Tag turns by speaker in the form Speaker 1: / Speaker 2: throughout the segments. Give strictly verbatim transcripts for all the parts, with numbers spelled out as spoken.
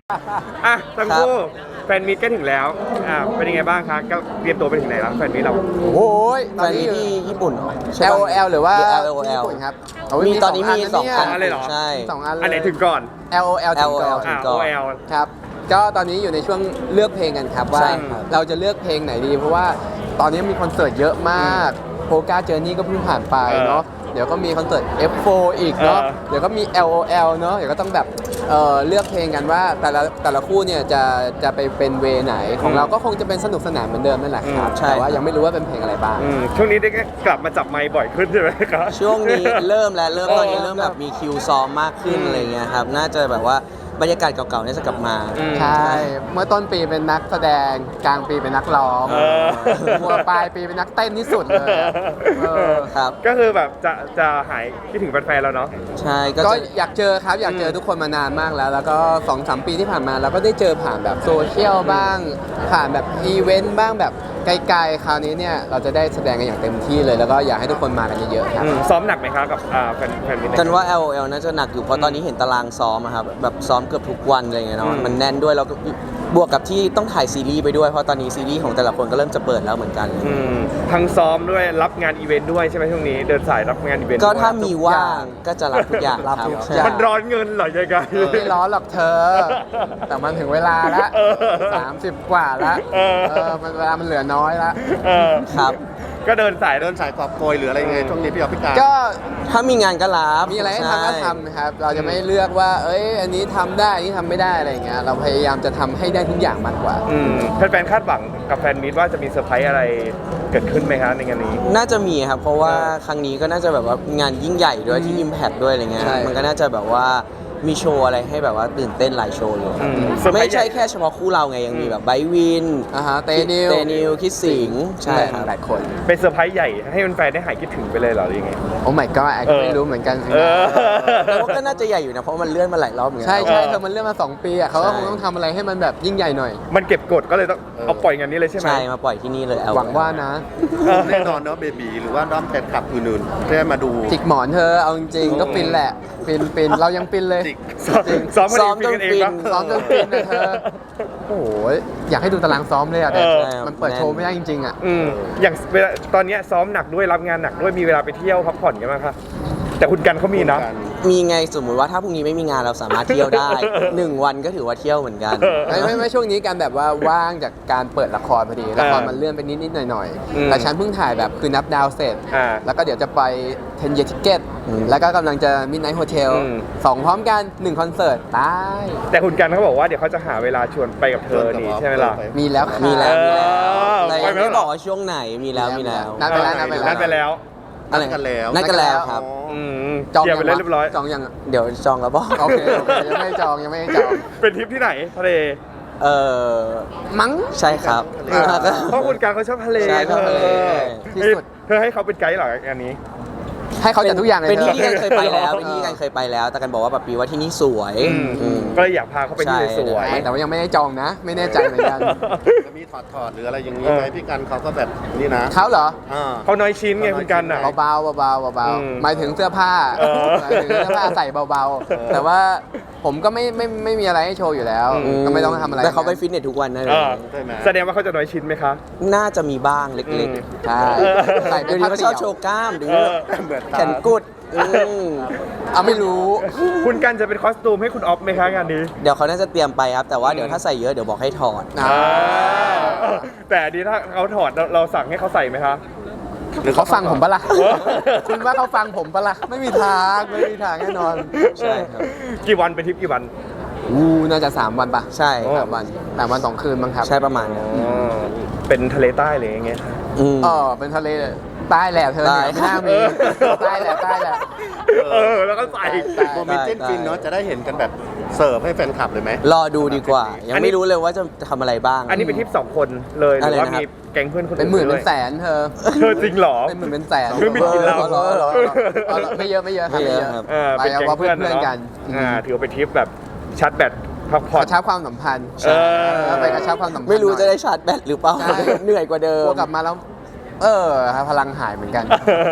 Speaker 1: อ่ะทั้งคู่แฟนมีตก็ถึงแล้วอ่าเป็นยังไงบ้างคะก็เตรียมตัวไปถึงไหนแล้วแฟนมีตเรา
Speaker 2: โอ้ยต
Speaker 3: แฟ
Speaker 2: อน
Speaker 3: น
Speaker 2: นี้
Speaker 3: มี
Speaker 2: อยู่
Speaker 3: ที่ญี่ปุ่นเหรอ
Speaker 2: แอล โอ แอล หรือว่า
Speaker 3: หรือ แอล โอ แอล
Speaker 2: ญี่ปุ่นครับเา
Speaker 3: มีตอนนี้มีสอง
Speaker 2: ะ
Speaker 3: อัน
Speaker 1: เลยเหรอ
Speaker 3: ใช่
Speaker 2: สองอันเลย
Speaker 1: อันไหนถึงก่อน
Speaker 2: แอล โอ แอล ถึงก่อน
Speaker 3: แอล โอ แอล
Speaker 1: อ่า
Speaker 3: ก่
Speaker 1: โอ
Speaker 3: อน
Speaker 1: เอล
Speaker 2: ครับก็ตอนนี้อยู่ในช่วงเลือกเพลงกันครับว่า
Speaker 3: ใช่ครับ
Speaker 2: เราจะเลือกเพลงไหนดีเพราะว่าตอนนี้มีคอนเสิร์ตเยอะมากโพกาเจอร์นี่ก็เพิ่งผ่านไปเนาะเดี๋ยวก็มีคอนเสิร์ต เอฟ โฟร์ อีกเนาะ
Speaker 1: เออ
Speaker 2: เดี๋ยวก็มี แอล โอ แอล เนาะเดี๋ยวก็ต้องแบบเอ่อเลือกเพลงกันว่าแต่ละแต่ละคู่เนี่ยจะจะไปเป็นเวไหนของเราก็คงจะเป็นสนุกสนานเหมือนเดิมนั่นแหละครับ
Speaker 3: อืมใช่
Speaker 2: แต่ว่ายังไม่รู้ว่าเป็นเพลงอะไรบ้าง
Speaker 1: อืมช่วงนี้ได้กลับมาจับไมค์บ่อยขึ้นใช่ไหมครับ
Speaker 3: ช่วงนี้เริ่มแล้วเริ่ม
Speaker 1: เออ
Speaker 3: ตอนนี้เริ่มแบบมีคิวซ้อมมากขึ้น
Speaker 1: อืม
Speaker 3: อะไรเงี้ยครับน่าจะแบบว่าบรรยากาศเก่าๆเนี่ยจะกลับมา
Speaker 1: อืม
Speaker 2: ใช่ เมื่อต้นปีเป็นนักแสดง กลางปีเป็นนักร้อง
Speaker 1: เออ
Speaker 2: หัวปลายปีเป็นนักเต้นที่สุดเลยอะเออ
Speaker 3: ครับ
Speaker 1: ก็คือแบบจะจะหายคิดถึงแฟนๆแล้วเนาะ
Speaker 3: ใช่ก็
Speaker 2: ก็
Speaker 3: จะ
Speaker 2: อยากเจอครับ อยากเจอทุกคนมานานมากแล้ว แล้วก็สองสามปีที่ผ่านมาเราก็ได้เจอผ่านแบบโซเชียลบ้าง ผ่านแบบอีเวนต์บ้างแบบไกลๆ คราวนี้เนี่ยเราจะได้แสดงกันอย่างเต็มที่เลย แล้วก็อยากให้ทุกคนมากันเยอะๆครับ
Speaker 1: อืมซ้อมหนักไหมคะกับอ่าแฟนแฟนมิตร
Speaker 3: กันว่า แอล โอ แอล น่าจะหนักอยู่เพราะตอนนี้เห็นตารางซ้อมอะครับแบบซ้อมเกือบทุกวันอะไรเงี้ยเนาะ
Speaker 1: อืม
Speaker 3: มันแน่นด้วยแล้วก็บวกกับที่ต้องถ่ายซีรีส์ไปด้วยเพราะตอนนี้ซีรีส์ของแต่ละคนก็เริ่มจะเปิดแล้วเหมือนกัน
Speaker 1: อืมทั้งซ้อมด้วยรับงานอีเวนต์ด้วยใช่ไหมช่วงนี้เดินสายรับงานอีเวนต์
Speaker 3: ก็
Speaker 1: ด้วย
Speaker 3: ถ้ามีว่างก็จะรับทุกอย่าง
Speaker 2: รับ
Speaker 3: ครับ
Speaker 2: ทุก
Speaker 3: ใช่
Speaker 2: อย่าง
Speaker 1: มันร้อนเงินเหรอยังไง
Speaker 2: ไม่ร้อนหรอกเธอ แต่มันถึงเวลาละ
Speaker 1: เออ
Speaker 2: สามสิบกว่าละ
Speaker 1: เออ
Speaker 2: เออมันเวลามันเหลือน้อยละ
Speaker 1: เออ
Speaker 3: ครับ
Speaker 1: ก็เดินสาย
Speaker 4: เดินสายกอบโกยหรืออะไรยังไงช่วงนี้พี่ออฟพี่การ
Speaker 2: ก็
Speaker 3: ถ้ามีงานก็รับ
Speaker 2: มีอะไรให้ทำก็
Speaker 3: ใช่
Speaker 2: ทำนะครับ เราจะไม่เลือกว่า เอ้ย อันนี้ทำได้ อันนี้ทำไม่ได้อะไรอย่างเงี้ย เราพยายามจะทำให้ได้ทุกอย่างมากกว่า
Speaker 1: อืมแฟนๆคาดหวังกับแฟนมิตรว่าจะมีเซอร์ไพรส์อะไรเกิดขึ้นไหมคะในงานนี้
Speaker 3: น่าจะมีครับ เพราะว่า
Speaker 1: เออ
Speaker 3: ครั้งนี้ก็น่าจะแบบว่างานยิ่งใหญ่ด้วยที่ Impact ด้วยอะไรเงี้ย
Speaker 2: ใช่
Speaker 3: มันก็น่าจะแบบว่ามีโชว์อะไรให้แบบว่าตื่นเต้นหลายโชว์เลยครับ
Speaker 1: อืมเซอร์ไพร
Speaker 3: ไม่
Speaker 1: ส์
Speaker 3: ใช่
Speaker 1: ญ่
Speaker 3: แค่เฉพาะคู่เราไงยังมีแบบไบร์ทวิน
Speaker 2: อ่าฮะเตนิว
Speaker 3: เตนิวคิดสิงห์ใช่ครับ
Speaker 2: หลายคน
Speaker 1: เป็นเซอร์ไพรส์ใหญ่ให้แฟนๆได้หายคิดถึงไปเลยเหรอหรือยังไง
Speaker 2: โอ้ my god แอ
Speaker 1: เออ
Speaker 2: ไม่รู้เหมือนกันสิ
Speaker 1: เอ
Speaker 2: นะ
Speaker 1: อ
Speaker 3: แต่ว่าก็น่าจะใหญ่อยู่นะเพราะมันเลื่อนมาหลายรอบเหมือนกั
Speaker 2: ใช่ใช่
Speaker 1: เออ
Speaker 2: เธอมันเรื่องมาสองปีอ่ะเขาก็
Speaker 3: ใช่
Speaker 2: คงต้องทำอะไรให้มันแบบยิ่งใหญ่หน่อย
Speaker 1: มันเก็บกดก็เลยต้องเอาปล่อยงานนี้เลยใช่ไหม
Speaker 3: ใช่มาปล่อยที่นี่เลย
Speaker 2: หวังว่านะ
Speaker 4: แน่นอนเนาะเบบีหรือว่าด้อมแฟนคลับอื่นๆได้มาดู
Speaker 2: จิกหมอนเธอ เอาจริงๆก็ฟินแหละ ฟินฟินเรายังฟินเลย
Speaker 4: จิก
Speaker 1: ซ้อม
Speaker 2: จริง
Speaker 1: ซ้อม
Speaker 3: ซ้อม
Speaker 1: กัน
Speaker 3: จน
Speaker 1: เอง
Speaker 3: ฟิ
Speaker 1: ปะ
Speaker 3: น
Speaker 2: ซ้อมจนฟินนะเธอ โอ้โห อยากให้ดูตารางซ้อมเลยอ่ะแต่
Speaker 1: เออ
Speaker 2: มันเปิดโชว์ไม่ได้จริงๆอ่ะ
Speaker 1: อืมอย่างเวลาตอนเนี้ยซ้อมหนักด้วยรับงานหนักด้วยมีเวลาไปเที่ยวพักผ่อนกันไหมคะแต่คุณกันเขามีนะ
Speaker 3: มีไงสมมุติว่าถ้าพรุ่งนี้ไม่มีงานเราสามารถเที่ยวได้ หนึ่งวันก็ถือว่าเที่ยวเหมือนกัน
Speaker 1: เออ
Speaker 2: ไม่ไม่ไม่ช่วงนี้การแบบว่าว่างจากการเปิดละครพอดี ละคร
Speaker 1: อ่ามั
Speaker 2: มันเลื่อนไปนิดนิดๆหน่อยหน่อยๆ
Speaker 1: อืม
Speaker 2: แต่ฉันเพิ่งถ่ายแบบคือนับดาวเสร็จ
Speaker 1: อ่า
Speaker 2: แล้วก็เดี๋ยวจะไป ten year ticket
Speaker 3: อืม
Speaker 2: แล้วก็กำลังจะ midnight hotel
Speaker 1: อืม
Speaker 2: สองพร้อมกันหนึ่งคอนเสิร์ตตาย
Speaker 1: แต่คุณกันเขาบอกว่าเดี๋ยวเขาจะหาเวลาชวนไปกับเธอนี่ใช่ไหมล่ะ
Speaker 2: มีแล้วค่ะ
Speaker 3: มีแล้วมีแล้ว
Speaker 1: เออ
Speaker 3: แต่ยัง
Speaker 1: ไปไหม
Speaker 3: ไม่บอกว่าช่วงไหนมีแล้วมีแล้ว
Speaker 2: นัดไปแล้วนัดไปแล้ว
Speaker 1: นัดไปแล้ว
Speaker 3: อะไร
Speaker 4: นัดกันแล้ว
Speaker 3: นัดกันแล้วครับ
Speaker 1: อืม
Speaker 2: จอง
Speaker 1: เคลียร์ไป
Speaker 2: ยัง
Speaker 1: เรียบร้อย
Speaker 2: จองยังอะ
Speaker 3: เดี๋ยวจองแล้วบอก
Speaker 2: โอเคโอเคยังไม่ได้จองยังไม่ได้จอง
Speaker 1: เป็นทริปที่ไหนทะเล
Speaker 3: เออ
Speaker 2: มั้ง
Speaker 3: ใช่ครับ
Speaker 1: เออเพราะคุณกันเขาชอบทะเล
Speaker 3: ใช่ชอบทะเล
Speaker 1: เออ
Speaker 2: ที่สุด
Speaker 1: เธอให้เขาเป็นไกด์เหรองานนี้
Speaker 2: ให้เขาจัดทุกอย่างเลย
Speaker 3: เป็น
Speaker 2: ธ
Speaker 3: ที่
Speaker 2: อ
Speaker 3: ที่กันเคยไปแล้วเป็นที่ที่กันเคยไปแล้ว แต่กันบอกว่าแบบปีว่าที่นี่สวย
Speaker 1: อืม
Speaker 3: อืม
Speaker 1: ก็เลยอยากพาเขาไปที่
Speaker 3: ใช่
Speaker 1: สวย
Speaker 2: แต่ว่ายังไม่ได้จองนะ ไม่แน่ใจเหมือนกัน
Speaker 4: จะมีถอดถอดๆหรืออะไรอย่างนี้
Speaker 1: เออ
Speaker 4: ไหมพี่กันเขาก็แบบนี่นะ
Speaker 2: เขาเหรอ
Speaker 4: อ่า
Speaker 1: เขาน้อยชิ้นไงคุณกันอ่ะ
Speaker 2: เบาๆเบาๆเบา
Speaker 1: อืม
Speaker 2: ๆหมายถึงเสื้อผ้า
Speaker 1: เออ
Speaker 2: หมายถึงเสื้อผ้าใส่เบาๆ แต่ว่าผมก็ไม่ไม่ไม่มีอะไรให้โชว์อยู่แล้ว
Speaker 1: อืม
Speaker 2: ก็ไม่ต้องทำอะไร
Speaker 3: แต่เขาไปฟิตเนสทุกวันนะ
Speaker 1: เออ
Speaker 4: ใช่ไหม
Speaker 1: แสดงว่าเขาจะน้อยชิ้นไหมคะ
Speaker 3: น่าจะมีบ้างเล็ก
Speaker 1: อืม
Speaker 2: ใช่
Speaker 3: ๆ
Speaker 2: ใส่
Speaker 3: เดี๋
Speaker 2: เป็
Speaker 3: ยวน นี้
Speaker 2: ผ้า
Speaker 3: เขาช
Speaker 2: เตี่
Speaker 3: อบ
Speaker 2: ยว
Speaker 3: โชว์กล้ามเดี๋ยว
Speaker 1: เอ
Speaker 3: นี้
Speaker 1: อ
Speaker 4: เหมือน
Speaker 3: แขนกุดอืม
Speaker 2: เอาไม่รู้
Speaker 1: คุณกันจะเป็นคอสตูมให้คุณออฟไหมคะงานนี้
Speaker 3: เดี๋ยวเขาน่าจะเตรียมไปครับ แต่ว่าเดี๋ยวถ้าใส่เยอะเดี๋ยวบอกให้ถอด
Speaker 2: อ่า
Speaker 1: อ่าแต่อันนี้ถ้าเขาถอดเราเราสั่งให้เขาใส่ไหมคะ
Speaker 2: หรือเขาฟังผมปะล่ะ
Speaker 1: เออ
Speaker 2: คุณว่าเขาฟังผมปะล่ะ ไม่มีทาง ไม่มีทางแน่นอน
Speaker 3: ใช่ครับ
Speaker 1: กี่วันเป็นทริปกี่วัน
Speaker 2: อู้น่าจะสามวันปะ
Speaker 3: ใช่
Speaker 1: โอ้
Speaker 2: สามวันสามวันสองคืนมั้งครับ
Speaker 3: ใช่ประมาณนั้น
Speaker 1: อ๋อเป็นทะเลใต้เลยอย่างเงี้ย
Speaker 3: อืม
Speaker 2: เออเป็นทะเลใต้แหละเธอเนี่ย
Speaker 3: ใต้
Speaker 2: ไม่น่ามีใต้แหละใต้แหละ
Speaker 1: เออแล้วก็ใส่
Speaker 2: ใต้
Speaker 4: โมเมนต์จิ้นฟินเนาะจะได้เห็นกันแบบเสิร์ฟให้แฟนคลับเลยไหม
Speaker 3: รอดูดีกว่า ยังไม่รู้เลยว่าจะทำอะไรบ้าง
Speaker 1: อันนี้เป็นทริปสองคนเลยหรือว่า
Speaker 3: อะไรนะครับ
Speaker 1: มีแก๊งเพื่อนคน
Speaker 2: เป็นหมื่น
Speaker 1: ด้
Speaker 2: เป็
Speaker 1: วย
Speaker 2: นแสนเธอ
Speaker 1: เธอจริงเหรอ
Speaker 2: เป็นหมื่นเป็นแสน
Speaker 1: เครื่องบินกินเหล้า
Speaker 2: อออออออไม่เยอะไม่เยอะครับ
Speaker 3: ไม่
Speaker 2: ไม่
Speaker 3: เย
Speaker 2: เย
Speaker 3: อะ
Speaker 2: อะ
Speaker 3: ครับ
Speaker 1: เออเป็นแก๊ง
Speaker 2: ไปเอา
Speaker 1: เพื่อน
Speaker 2: เพื่อนๆกัน
Speaker 1: อ่าถือว่าเป็นทริปแบบชาร์จแบตพักผ่อน
Speaker 2: กระชับความสัมพันธ์
Speaker 1: เออ
Speaker 2: ไปกระชับความสัมพันธ์
Speaker 3: ไม่รู้จะได้
Speaker 2: หน่อย
Speaker 3: ชาร์จแบตหรือเปล่า
Speaker 2: ใช่
Speaker 3: เหนื่อยกว่าเดิ
Speaker 2: ก
Speaker 3: ม
Speaker 2: ลัวกลับมาแล้ว เออพลังหายเหมือนกัน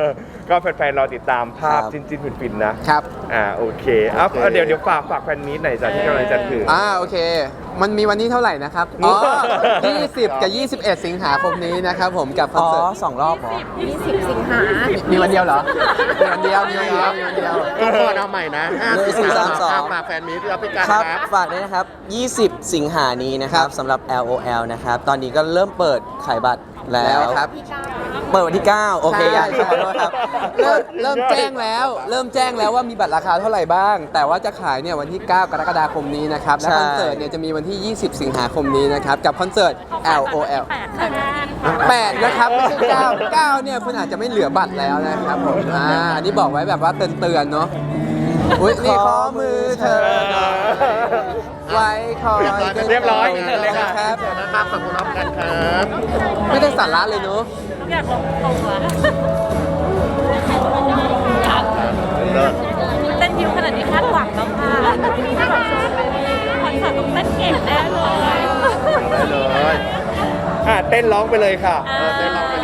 Speaker 1: ก็แฟนๆรอติดตามภาพ
Speaker 3: ครับ
Speaker 1: จินๆฟินๆนะครับ อ่าโอเคเอาเอาเดี๋ยวเดี๋ยวฝากฝากแฟนมีตหน่อยจ้ะที่กำลังจะถึง
Speaker 2: อ่าโอเค มันมีวันนี้เท่าไหร่นะครับ อ๋อ ยี่สิบ กับ ยี่สิบเอ็ด สิงหาคมนี้นะครับผมกับคอน
Speaker 3: อ๋อ
Speaker 2: เสิร์ต
Speaker 3: สองรอบเหรอ
Speaker 5: ยี่สิบสิงหา
Speaker 2: มีวันเดียวเหรอ มีวันเดียว มีวันเดียว มีวันเดียว
Speaker 4: ทุกคนเอาใหม่นะห้า
Speaker 3: หนึ่งสี่สามสอง
Speaker 4: ฝากแฟนมีตรับพิการ
Speaker 3: ครับ
Speaker 4: ครับ
Speaker 3: ฝากด้วยนะครับ ยี่สิบ สิงหานี้นะครับสำหรับ แอล โอ แอล นะครับ ตอนนี้ก็เริ่มเปิดขายบัตรแล้
Speaker 2: แล้ว
Speaker 3: ว
Speaker 2: ครับ
Speaker 3: เปิดวันที่ เก้า โอเค
Speaker 2: ใช่
Speaker 3: ยัง
Speaker 2: ใช่
Speaker 3: ขอโทษครับ
Speaker 2: เริ่มเริ่มแจ้งแล้ว เริ่มแจ้งแล้วว่ามีบัตรราคาเท่าไหร่บ้าง แต่ว่าจะขายเนี่ยวันที่ เก้า กรกฎาคมนี้นะครับ และ
Speaker 3: ใช่
Speaker 2: คอนเสิร์ตเนี่ยจะมีวันที่ ยี่สิบ สิงหาคมนี้นะครับ กับคอนเสิร์ต แอล โอ แอล แปดนะครับไม่ใช่เก้า เก้าเนี่ยคุณอาจจะไม่เหลือบัตรแล้วนะครับผม อ่า อันนี้บอกไว้แบบว่าเตือนๆเนาะ อุ้ยนี่ขอมือเธอหน่อยไว้คอย
Speaker 1: เรียบร้อย
Speaker 2: เชิญเลยครับ
Speaker 4: นะครับขอบคุณน้องกันครับ
Speaker 2: ไม่ได้สาระเลยเนาะ
Speaker 5: อยากลงตัว
Speaker 4: เลิศ
Speaker 5: เต้นยิวขนาดนี้คาดหวังแล้วค่ะคอนเสิร์ตต้องเต้นเก่งแน่เลย
Speaker 4: ได้เลย
Speaker 1: อ่ะเต้นร้องไปเลยค่ะ
Speaker 4: เออเต้นร้องไป